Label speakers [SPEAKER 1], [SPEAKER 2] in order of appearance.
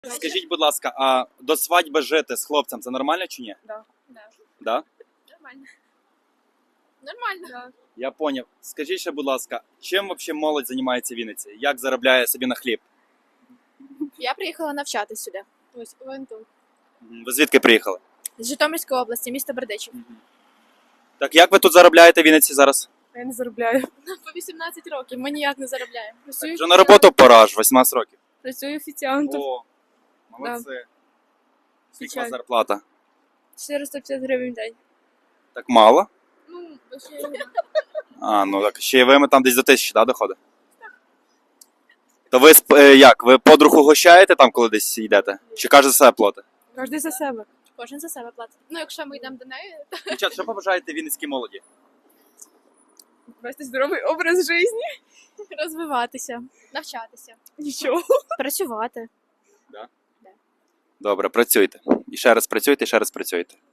[SPEAKER 1] Скажіть, будь ласка, а до свадьби жити з хлопцем це нормально чи ні?
[SPEAKER 2] Да.
[SPEAKER 1] Да?
[SPEAKER 2] Нормально. Нормально. Да.
[SPEAKER 1] Я поняв. Скажіть ще, будь ласка, чим взагалі молодь займається в Вінниці? Як заробляє собі на хліб?
[SPEAKER 2] Я приїхала навчатись сюди. Ось, ОНТУ.
[SPEAKER 1] Ви звідки приїхали?
[SPEAKER 2] З Житомирської області, місто Бердичів.
[SPEAKER 1] Так як ви тут заробляєте в Вінниці зараз?
[SPEAKER 2] Я не заробляю. По 18 років, ми ніяк не заробляємо.
[SPEAKER 1] Вже на роботу пора ж, 18 років.
[SPEAKER 2] Працюю офіціантом.
[SPEAKER 1] О, молодці. Скільки у вас
[SPEAKER 2] Звичайно.
[SPEAKER 1] зарплата?
[SPEAKER 2] 450 гривень в день.
[SPEAKER 1] Так мало?
[SPEAKER 2] Ну, ще
[SPEAKER 1] А, ну так ще й ви там десь до 1000, да, доходить? То ви як? Ви подруг угощаєте там, коли десь йдете? Чи каже за себе платить?
[SPEAKER 2] кожен за себе. Кожен за себе платить. Ну, якщо ми йдемо до неї, то
[SPEAKER 1] Дівчат, що побажаєте вінницькій молоді?
[SPEAKER 2] вести здоровий образ життя. Розвиватися, навчатися. Нічого. Працювати.
[SPEAKER 1] Добре, працюйте. І ще раз працюйте, і ще раз працюйте.